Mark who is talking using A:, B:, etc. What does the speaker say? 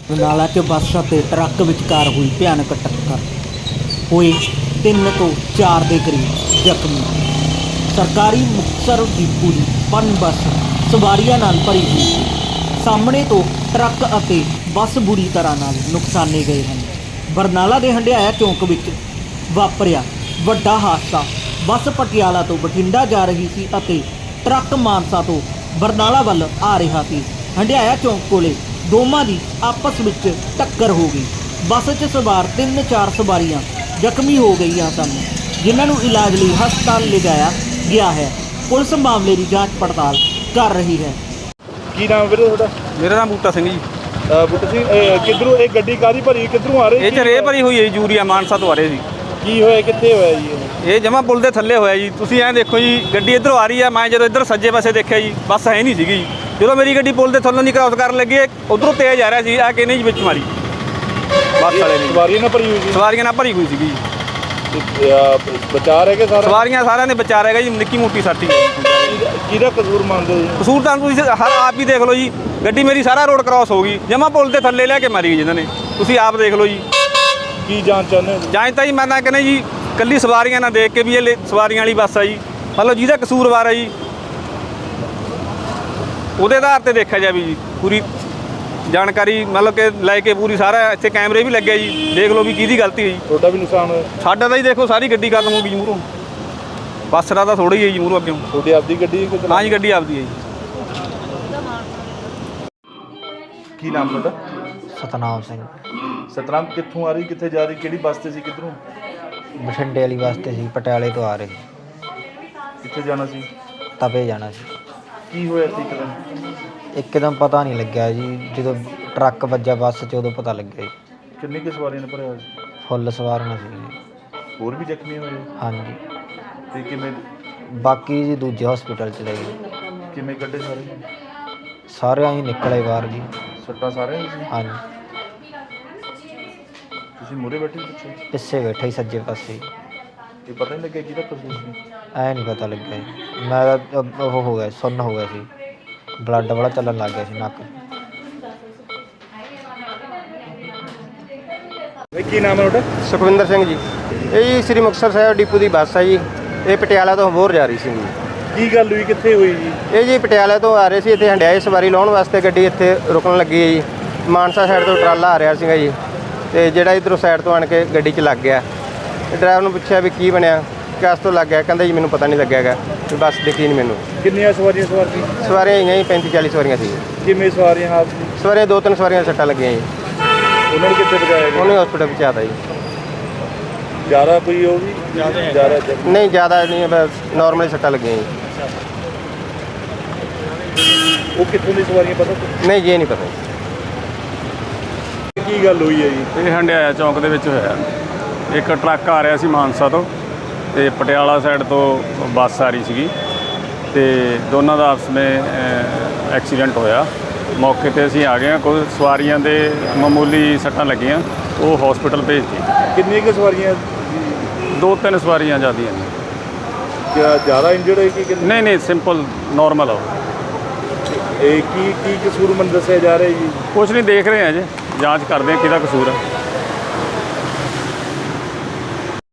A: ਬਰਨਾਲਾ 'ਚ ਬੱਸ ਅਤੇ ਟਰੱਕ ਵਿਚਕਾਰ ਹੋਈ ਭਿਆਨਕ ਟੱਕਰ, ਹੋਏ 3 ਤੋਂ 4 ਦੇ ਕਰੀਬ ਜ਼ਖਮੀ। ਸਰਕਾਰੀ ਮੁਕਤਸਰ ਡਿਪੂ ਦੀ ਪਨ ਬੱਸ ਸਵਾਰੀਆਂ ਨਾਲ ਭਰੀ ਹੋਈ ਸੀ। ਸਾਹਮਣੇ ਤੋਂ ਟਰੱਕ ਅਤੇ ਬੱਸ ਬੁਰੀ ਤਰ੍ਹਾਂ ਨਾਲ ਨੁਕਸਾਨੇ ਗਏ ਹਨ। ਬਰਨਾਲਾ ਦੇ ਹੰਡਿਆਇਆ ਚੌਂਕ ਵਿੱਚ ਵਾਪਰਿਆ ਵੱਡਾ ਹਾਦਸਾ। ਬੱਸ ਪਟਿਆਲਾ ਤੋਂ ਬਠਿੰਡਾ ਜਾ ਰਹੀ ਸੀ ਅਤੇ ਟਰੱਕ ਮਾਨਸਾ ਤੋਂ ਬਰਨਾਲਾ ਵੱਲ ਆ ਰਿਹਾ ਸੀ। ਹੰਡਿਆਇਆ ਚੌਂਕ ਕੋਲੇ ਦੋਵਾਂ ਦੀ ਆਪਸ ਵਿੱਚ ਟੱਕਰ ਹੋ ਗਈ। ਬੱਸ 'ਚ ਸਵਾਰ 3-4 ਸਵਾਰੀਆਂ ਜ਼ਖਮੀ ਹੋ ਗਈਆਂ ਸਨ, ਜਿਨ੍ਹਾਂ ਨੂੰ ਇਲਾਜ ਲਈ ਹਸਪਤਾਲ ਲਿਜਾਇਆ ਗਿਆ ਹੈ। ਪੁਲਿਸ ਮਾਮਲੇ ਦੀ ਜਾਂਚ ਪੜਤਾਲ ਕਰ ਰਹੀ ਹੈ।
B: ਕੀ ਨਾਮ ਵੀਰੇ ਤੁਹਾਡਾ?
C: ਮੇਰਾ ਨਾਮ ਬੂਟਾ ਸਿੰਘ ਜੀ।
B: ਬੂਟਾ ਸਿੰਘ, ਕਿੱਧਰੋਂ ਇਹ ਗੱਡੀ ਕਾਹਦੀ ਭਰੀ, ਕਿੱਧਰੋਂ ਆ ਰਹੀ?
C: ਇਹ 'ਚ ਰੇਹ ਭਰੀ ਹੋਈ ਹੈ ਜੀ, ਯੂਰੀਆ ਮਾਨਸਾ ਤੋਂ ਆ ਰਹੇ ਸੀ।
B: ਕੀ ਹੋਇਆ, ਕਿੱਥੇ ਹੋਇਆ ਜੀ
C: ਇਹ ਜਮਾ ਪੁਲ ਦੇ ਥੱਲੇ ਹੋਇਆ ਜੀ। ਤੁਸੀਂ ਐਂ ਦੇਖੋ ਜੀ, ਗੱਡੀ ਇੱਧਰੋਂ ਆ ਰਹੀ ਹੈ। ਮੈਂ ਜਦੋਂ ਇੱਧਰ ਸੱਜੇ ਪਾਸੇ ਦੇਖਿਆ ਜੀ, ਬੱਸ ਹੈ ਨਹੀਂ ਸੀਗੀ। ਜਦੋਂ ਮੇਰੀ ਗੱਡੀ ਪੁਲ ਦੇ ਥੱਲੋਂ ਦੀ ਕ੍ਰਾਸ ਕਰਨ ਲੱਗੀ, ਉੱਧਰੋਂ ਤੇਜ਼ ਆ ਰਿਹਾ ਸੀ, ਆ ਕੇ ਨਹੀਂ ਜੀ ਵਿੱਚ ਮਾਰੀ ਬੱਸ ਵਾਲੇ ਨੇ।
B: ਸਵਾਰੀਆਂ ਨਾਲ ਭਰੀ ਹੋਈ ਸੀ?
C: ਸਵਾਰੀਆਂ ਨਾਲ ਭਰੀ ਹੋਈ ਸੀਗੀ।
B: ਬਚਾ ਰਹਿ ਗਏ ਸਾਰਾ?
C: ਸਵਾਰੀਆਂ ਸਾਰਿਆਂ ਦੇ ਬਚਾ ਰਹਿ ਗਏ ਜੀ, ਨਿੱਕੀ ਮੋਟੀ ਸਾਟੀ।
B: ਕਿਹਦਾ ਕਸੂਰ ਮੰਨਦੇ ਹੋ ਜੀ?
C: ਕਸੂਰ ਤਾਂ ਤੁਸੀਂ ਹਰ ਆਪ ਹੀ ਦੇਖ ਲਓ ਜੀ। ਗੱਡੀ ਮੇਰੀ ਸਾਰਾ ਰੋਡ ਕ੍ਰਾਸ ਹੋ ਗਈ, ਜਮਾ ਪੁਲ ਦੇ ਥੱਲੇ ਲੈ ਕੇ ਮਾਰੀ ਗਈ ਜਿਹਨਾਂ ਨੇ। ਤੁਸੀਂ ਆਪ ਦੇਖ ਲਓ ਜੀ।
B: ਕੀ ਜਾਂਚ ਚਾਹੁੰਦੇ ਹੋ?
C: ਜਾਂਚ ਤਾਂ ਜੀ ਮੈਂ ਤਾਂ ਕਹਿੰਦਾ ਜੀ, ਕੱਲੀ ਸਵਾਰੀਆਂ ਨਾ ਦੇਖ ਕੇ ਵੀ ਇਹ ਸਵਾਰੀਆਂ ਵਾਲੀ ਬੱਸ ਆ ਜੀ, ਮਤਲਬ ਜਿਹਦਾ ਕਸੂਰਵਾਰ ਹੈ ਜੀ ਉਹਦੇ ਆਧਾਰ ਤੇ ਦੇਖਿਆ ਜਾਵੇ ਜੀ। ਪੂਰੀ ਜਾਣਕਾਰੀ ਮਤਲਬ ਕਿ ਲੈ ਕੇ ਪੂਰੀ ਸਾਰਾ ਇੱਥੇ ਕੈਮਰੇ ਵੀ ਲੱਗੇ ਜੀ, ਦੇਖ ਲਓ ਵੀ ਕਿਹਦੀ ਗਲਤੀ ਹੈ ਜੀ।
B: ਤੁਹਾਡਾ ਵੀ ਨੁਕਸਾਨ ਹੋਇਆ?
C: ਸਾਡਾ ਤਾਂ ਜੀ ਦੇਖੋ ਸਾਰੀ ਗੱਡੀ ਖਤਮ ਹੋ ਗਈ ਜੀ ਮੂਹਰੋਂ। ਬੱਸ ਦਾ ਤਾਂ ਥੋੜ੍ਹਾ ਹੀ ਹੈ ਜੀ ਮੂਹਰੋਂ ਅੱਗੇ।
B: ਤੁਹਾਡੀ ਆਪਦੀ ਗੱਡੀ?
C: ਹਾਂ ਜੀ, ਗੱਡੀ ਆਪਦੀ ਹੈ ਜੀ।
B: ਕੀ ਨਾਮ ਤੁਹਾਡਾ?
A: ਸਤਨਾਮ ਸਿੰਘ।
B: ਸਤਨਾਮ, ਕਿੱਥੋਂ ਆ ਰਹੀ, ਕਿੱਥੇ ਜਾ ਰਹੀ, ਕਿਹੜੀ ਬੱਸ ਤੇ ਸੀ, ਕਿੱਧਰੋਂ?
A: ਬਠਿੰਡੇ ਵਾਲੀ ਬੱਸ ਤੇ ਸੀ, ਪਟਿਆਲੇ ਤੋਂ ਆ ਰਹੀ।
B: ਕਿੱਥੇ ਜਾਣਾ ਸੀ?
A: ਤਪੇ ਜਾਣਾ ਸੀ।
B: ਕੀ ਹੋਇਆ ਸੀ ਇੱਕਦਮ?
A: ਇੱਕਦਮ ਪਤਾ ਨਹੀਂ ਲੱਗਿਆ ਜੀ, ਜਦੋਂ ਟਰੱਕ ਵੱਜਾ ਬੱਸ 'ਚ ਉਦੋਂ ਪਤਾ ਲੱਗਿਆ ਜੀ।
B: ਕਿੰਨੀ ਕੁ ਸਵਾਰੀਆਂ ਨੇ ਭਰਿਆ ਹੋਇਆ ਸੀ?
A: ਫੁੱਲ ਸਵਾਰੀਆਂ ਸੀ ਜੀ।
B: ਹੋਰ ਵੀ ਜ਼ਖਮੀ ਹੋਏ?
A: ਹਾਂਜੀ,
B: ਤੇ ਕਿਵੇਂ
A: ਬਾਕੀ ਜੀ ਦੂਜੇ ਹਸਪੀਟਲ 'ਚ ਲੈ ਗਏ।
B: ਕਿਵੇਂ ਕੱਢੇ ਸਾਰੇ?
A: ਸਾਰਿਆਂ ਹੀ ਨਿਕਲੇ ਬਾਹਰ ਜੀ।
B: ਸੱਟਾਂ ਸਾਰਿਆਂ ਨੂੰ ਸੀ?
A: ਹਾਂਜੀ,
B: ਤੁਸੀਂ ਮੂਹਰੇ ਬੈਠੇ ਸੀ ਪਿੱਛੇ?
A: ਪਿੱਛੇ ਬੈਠਾ ਹੀ ਸੱਜੇ ਪਾਸੇ।
B: ਇਹ ਪਤਾ ਨਹੀਂ ਲੱਗਿਆ ਕਿਹਦਾ ਕਸੂਰ ਸੀ?
A: ਐ ਨਹੀਂ ਪਤਾ ਲੱਗਿਆ ਜੀ। ਮੈਂ ਤਾਂ ਉਹ ਹੋ ਗਿਆ, ਸੁੰਨ ਹੋ ਗਿਆ ਸੀ, ਬਲੱਡ ਬੜਾ ਚੱਲਣ ਲੱਗ ਗਿਆ ਸੀ ਨੱਕ।
B: ਕੀ ਨਾਮ ਹੈ ਤੁਹਾਡਾ?
D: ਸੁਖਵਿੰਦਰ ਸਿੰਘ ਜੀ। ਇਹ ਜੀ ਸ੍ਰੀ ਮੁਕਤਸਰ ਸਾਹਿਬ ਡਿਪੂ ਦੀ ਬੱਸ ਹੈ ਜੀ। ਇਹ ਪਟਿਆਲਾ ਤੋਂ ਅਬੋਹਰ ਜਾ ਰਹੀ ਸੀ ਜੀ।
B: ਕੀ ਗੱਲ ਹੋਈ, ਕਿੱਥੇ ਹੋਈ ਜੀ?
D: ਇਹ ਜੀ ਪਟਿਆਲਾ ਤੋਂ ਆ ਰਹੇ ਸੀ, ਇੱਥੇ ਹੰਡਿਆਏ ਸਵਾਰੀ ਲਾਉਣ ਵਾਸਤੇ ਗੱਡੀ ਇੱਥੇ ਰੁਕਣ ਲੱਗੀ ਹੈ ਜੀ। ਮਾਨਸਾ ਸਾਈਡ ਤੋਂ ਟਰਾਲਾ ਆ ਰਿਹਾ ਸੀਗਾ ਜੀ, ਤੇ ਜਿਹੜਾ ਇੱਧਰੋਂ ਸਾਈਡ ਤੋਂ ਆਣ ਕੇ ਗੱਡੀ 'ਚ ਲੱਗ ਗਿਆ। ਡਰਾਈਵਰ ਨੂੰ ਪੁੱਛਿਆ ਵੀ ਕੀ ਬਣਿਆ, ਕਿਸ ਤੋਂ ਲੱਗ ਗਿਆ? ਕਹਿੰਦਾ ਜੀ ਮੈਨੂੰ ਪਤਾ ਨਹੀਂ ਲੱਗਿਆ ਹੈਗਾ, ਵੀ ਬੱਸ ਦਿਖੀ ਨਹੀਂ ਮੈਨੂੰ।
B: ਕਿੰਨੀਆਂ ਸਵਾਰੀਆਂ ਸਵਾਰ ਸੀ?
D: ਸਵਾਰੀਆਂ ਹੈਗੀਆਂ ਜੀ 35-40 ਸਵਾਰੀਆਂ ਸੀ।
B: ਕਿਵੇਂ ਸਵਾਰੀਆਂ ਹਾਲ ਸੀ?
D: ਸਵਾਰੀਆਂ 2-3 ਸਵਾਰੀਆਂ ਸੱਟਾਂ ਲੱਗੀਆਂ ਜੀ।
B: ਉਹਨਾਂ ਨੂੰ ਕਿੱਥੇ ਪਹੁੰਚਾਇਆ ਗਿਆ?
D: ਉਹਨੇ ਹਸਪੀਟਲ ਪਹੁੰਚਾਤਾ ਜੀ।
B: ਜ਼ਿਆਦਾ ਕੋਈ ਉਹ ਵੀ? ਜ਼ਿਆਦਾ
D: ਨਹੀਂ, ਜ਼ਿਆਦਾ ਨਹੀਂ, ਬਸ ਨਾਰਮਲੀ ਸੱਟਾਂ ਲੱਗੀਆਂ ਜੀ।
B: ਉਹ ਕਿੱਥੋਂ ਦੀ ਸਵਾਰੀਆਂ ਪਤਾ?
D: ਨਹੀਂ ਜੀ, ਇਹ ਨਹੀਂ ਪਤਾ ਜੀ।
B: ਕੀ ਗੱਲ ਹੋਈ ਹੈ ਜੀ?
E: ਇਹ ਹੰਡਿਆਇਆ ਚੌਂਕ ਦੇ ਵਿੱਚ ਹੋਇਆ। ਇੱਕ ਟਰੱਕ ਆ ਰਿਹਾ ਸੀ ਮਾਨਸਾ ਤੋਂ, ਤੇ ਪਟਿਆਲਾ ਸਾਈਡ ਤੋਂ ਬੱਸ ਆ ਰਹੀ ਸੀਗੀ, ਤੇ ਦੋਨਾਂ ਦਾ ਆਪਸ ਵਿੱਚ ਐਕਸੀਡੈਂਟ ਹੋਇਆ। ਮੌਕੇ ਤੇ ਅਸੀਂ ਆ ਗਏ ਹਾਂ। ਕੁਝ ਸਵਾਰੀਆਂ ਦੇ ਮਾਮੂਲੀ ਸੱਟਾਂ ਲੱਗੀਆਂ, ਉਹ ਹਸਪੀਟਲ ਭੇਜਤੀ।
B: ਕਿੰਨੀਆਂ ਕੁ ਸਵਾਰੀਆਂ?
E: 2-3 ਸਵਾਰੀਆਂ ਜ਼ਿਆਦੀਆਂ ਨੇ।
B: ਕਿਆ ਜ਼ਿਆਦਾ ਇੰਜਰਡ ਹੋਈ ਕਿ
E: ਨਹੀਂ ਨਹੀਂ, ਸਿੰਪਲ ਨਾਰਮਲ ਆ।
B: ਇਹ ਕੀ ਕਸੂਰ ਮੈਨੂੰ ਦੱਸਿਆ ਜਾ ਰਿਹਾ ਜੀ?
E: ਕੁਛ ਨਹੀਂ, ਦੇਖ ਰਹੇ ਹਾਂ ਜੀ, ਜਾਂਚ ਕਰਦੇ ਹਾਂ ਕਿਹਦਾ ਕਸੂਰ ਹੈ।